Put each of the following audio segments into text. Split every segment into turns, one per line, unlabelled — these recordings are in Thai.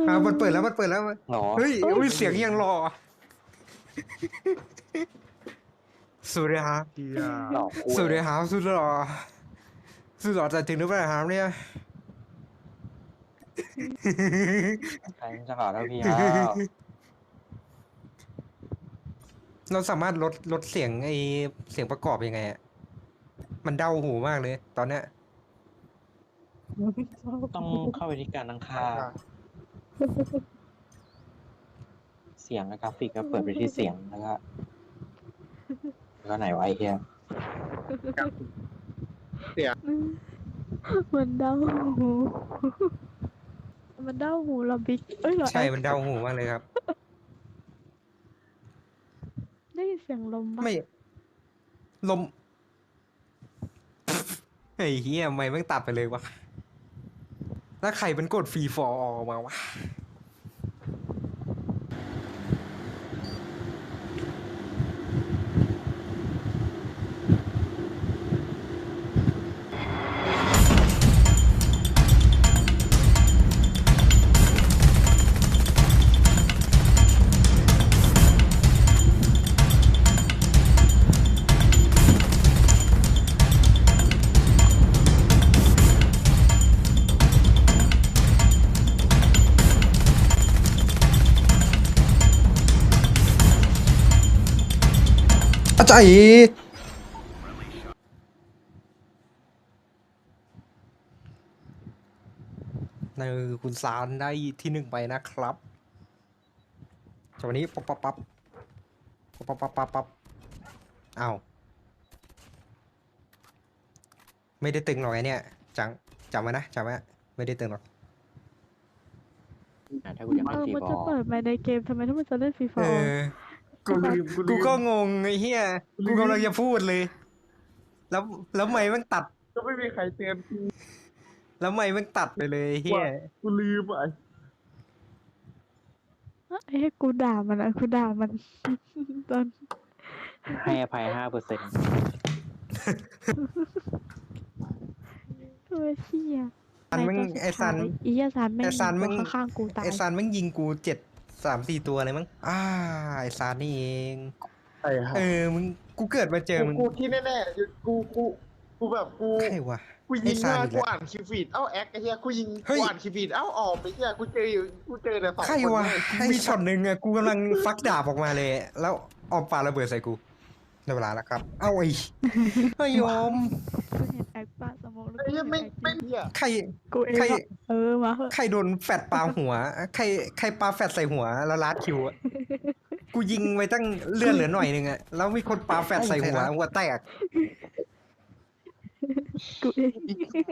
มันเปิดแล้ว
หรอ
เฮ้ยอุ้ยเสียงยังรอสวัสดีครับ
เฮีย
หลอกกู
สวัสดีครับสุดหล่อจะถึงหรือเปล่าครับเนี่ย
ใครมันจะหล่อเท่าพี่แล้ว
เราสามารถลดเสียงเสียงประกอบยังไงอะมันเดาหูมากเลย ตอนเนี้ย
ต้องเข้าไปที่การตั้งค่า เสียงและกราฟิกก็เปิดไปที่เสียงแล้วก็ไหนไวะไอ้เฮีย
มันเด้าหูมันเด้าหูเราบิ๊กเอ้ยเหรอ
ใช่มันเดาหูมากเลยครับ
ได้ยินเสียงลมปะ
ไม่ลมไอ้เหี้ยไม่แม่งตัดไปเลยวะแล้วใครเป็นกดฟรีฟอร์ออกมาวะอาจารย์ในคุณซานได้ที่หนึ่งไปนะครับจากวันนี้ปั๊บอ้าวไม่ได้ตึงหรอกไอเนี่ยจำไว้นะไม่ได้ตึงหรอก
ถ้ากูยังไม่ฟรี
มัน
บอ
จะ
ล
เปิดมาในเกมทำไมถ้ามันจะเล่นฟรีไฟ
เอ
ร์
อ กูก็งงไอ้เหี้ยกูกำลังจะพูดเลย แล้วไม่แม่งตัด
ก็ไม่มีใครเตือนกู
แล้วไม่แม่งตัดไปเลยไอ้เหี้ย
กูลืมอ่ะ
ไอ้กูด่ามันอะกูด่ามัน ตอน
ให้อภัย5%
ตัวเชี่ย
ซันแม่งไอ้ซัน
อียซันแม่ง
ไอ้ซันแม่ง
ตัวข้างๆกูตาย
ไอ้ซันแม่งยิงกู3-4 ตัวเลยมั้งไอ้ซันนี่เอง
ไอ้ห่า
มึงกูเกิดมาเจอมึง
กูที่แน่ๆกูแบบกู
ใครวะ
กูยิ
ไอ้
ง
ซัน
มา
อีก
กู
แล้ว
อ่านคิวฟีดแอคไอ้เหี้ยกูยิง
เฮ้ย
กูอ่านคิวฟีดออกไปเหี้ยกูเจอแต่สอง
ใคร
คน
วะ
เลย
ไอ้ช็อตหนึ่งอะกูกำลังฟักดาบออกมาเลย แล้วออมปาระเบิดใส่กูในเวลาแล้วครับ ไอ้ยอม
กูเห็นแอคป้าสมองแล้ว
ไอ้เหี้ยไม่
กู
ไม่
เห็น
เหี้ย
ใคร
กูเอง
ใคร
อะมาเหอะ
ใครโดนแฟดปาหัว ใครปาแฟดใส่หัวแล้วลัดคิวอะกูยิงไปตั้งเลื่อนเหลือหน่อยนึงอะแล้วมีคนปาแฟดใส่หัวแตก
กูเอง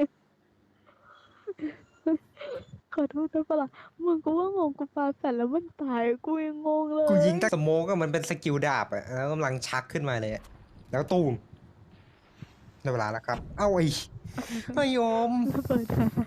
ขอโทษด้วยปะล่ะมึงกูว่างงกูปาแฟนแล้วมันตายกูยังงงเลย
กูยิงตั้งสโมกอะมันเป็นสกิลดาบอะแล้วกำลังชักขึ้นมาเลยอะแล้วตูมในเวลาแล้วครับ ไอ้ยอม
ระเบิด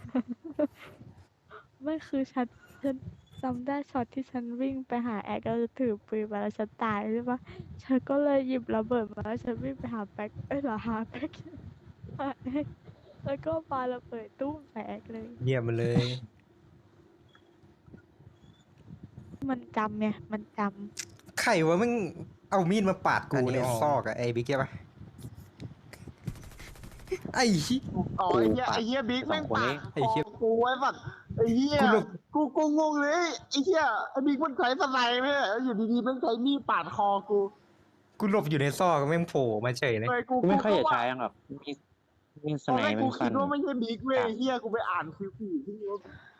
ไม่คือฉันจำได้ช็อตที่ฉันวิ่งไปหาแอคแล้วจะถือปืนมาแล้วฉันตายใช่ปะฉันก็เลยหยิบระเบิดมาแล้วฉันวิ่งไปหาแป๊กหาแป๊กหาแอคแล้วก็ปาระเบิดตู้มใส่แอคเลย
เยี่ยมมาเลย
มันจำไงมันจ
ใครวะมึงเอามีดมาปาดกูในซอกอะไอ้บิ๊กใช่ปะไอ้ชิ
อ๋อไอ้เหี้ยบิ๊กแม่งปาด
ไอ้เหี้ย
กูไว้สัตว์ไอ้เหี้ย
กูหลบ
กูงงเลยไอ้เหี้ยไอ้บิ๊กมันใช้สไนด์ไหมเนี่ยอยู่ดีๆแม่งใช้มีดปาดคอกู
กูหลบอยู่ในซอกแม่งโผล่มาเฉยเลย
เลย
กูไม่ค่อยอยากใช้หรอกมีส
ตอน
ไน
แรก
มั
กู
น
คิ
สั้
ด
น
ว่าไม่ใช่บิ๊กเว้ยไอ้เหี้ยกูไปอ่านคิวฟีดที่ว่า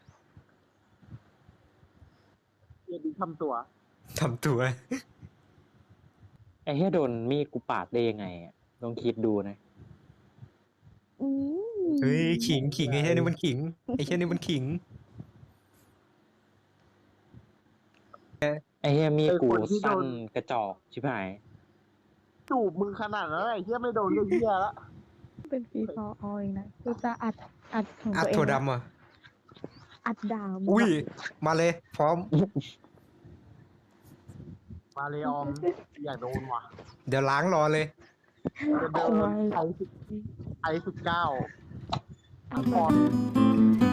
เหี้ยบิ๊กทำตัว
ทำตัว
ไอ้เฮียโดนมีดกูปาดได้ยังไงอะลองคิดดูนะ
ำ
เฮ้ยขิงไอ้เช่นนี่มันขิงไอ้เช่นนี่มันขิง
ไอ้เฮียมีดกูสั้นกระจอกชิบหาย
จูบมึงขนาดนั้นไอ้เหี้ยไม่โดนเรื่องเหี้ยละ
เป็นฟรีฟอร์ออยนะกูจะอัดของ
อัด
ตัวเอง
ถั่วดำอ่ะ
อัดด่ามึง
อุ้ย
อะ
มาเลย พร้อม
มาเลยออมอยากโดนว่ะ
เดี๋ยวล้างรอเลย
จะเดินไอ19
เอามา